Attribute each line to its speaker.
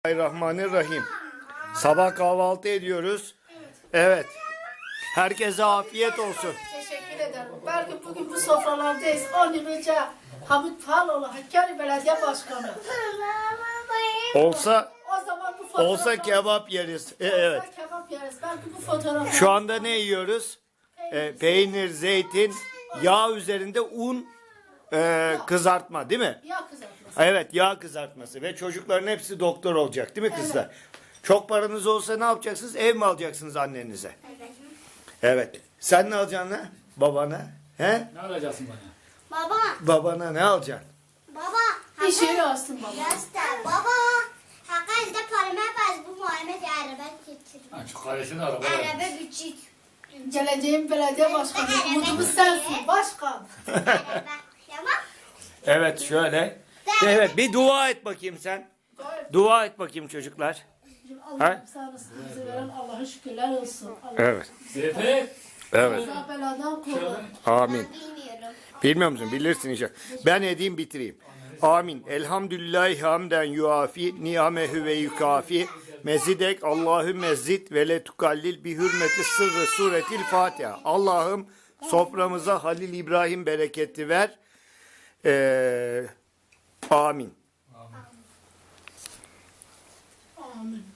Speaker 1: Bismillahirrahmanirrahim. Sabah kahvaltı ediyoruz. Evet. Herkese afiyet olsun.
Speaker 2: Teşekkür ederim. Belki bugün bu sofralardayız. 10 yıl önce Hamit Paloğlu Hakkari Belediye Başkanı.
Speaker 1: Olsa
Speaker 2: O zaman bu fotoğraflar...
Speaker 1: kebap yeriz. Evet.
Speaker 2: Olsa kebap yeriz. Belki bu fotoğraflar...
Speaker 1: Şu anda ne yiyoruz? Peynir, zeytin, yağ üzerinde un, kızartma, değil mi?
Speaker 2: Yağ kızartması.
Speaker 1: Evet, yağ kızartması ve çocukların hepsi doktor olacak, değil mi kızlar? Çok paranız olsa ne yapacaksınız? Ev mi alacaksınız annenize? Evet. Sen ne alacaksın lan? Babana? He?
Speaker 3: Ne alacaksın bana?
Speaker 4: Baba,
Speaker 1: Babana ne alacaksın?
Speaker 4: baba.
Speaker 2: Bir şey alsın baba.
Speaker 4: Göster. Baba. Hakkari'de parama baz bu Muhammed araba getirin.
Speaker 3: Ha, şu karesini araba.
Speaker 4: Araba küçük.
Speaker 2: Geleceğin belediye başkanı. Umudumuz sensin. Başkan.
Speaker 4: Araba. Tamam.
Speaker 1: Evet, şöyle. Evet, bir dua et bakayım sen. Dua et bakayım çocuklar.
Speaker 2: Allah'ım sağlık bize veren Allah'a şükürler olsun. Allah
Speaker 1: Evet.
Speaker 3: Zeynep.
Speaker 1: Evet.
Speaker 2: kaza beladan koru.
Speaker 1: Amin.
Speaker 4: Bilmiyorum.
Speaker 1: Bilmiyor musun? Bilirsin inşallah. Ben edeyim bitireyim. Amin. Elhamdülillahi hamden yuafi ni'amehu ve yukafi mezidek Allahümme zid ve le tukallil bi hürmeti sırrı suretil Fatiha. Allah'ım soframıza Halil İbrahim bereketi ver. Amin.
Speaker 2: Amin.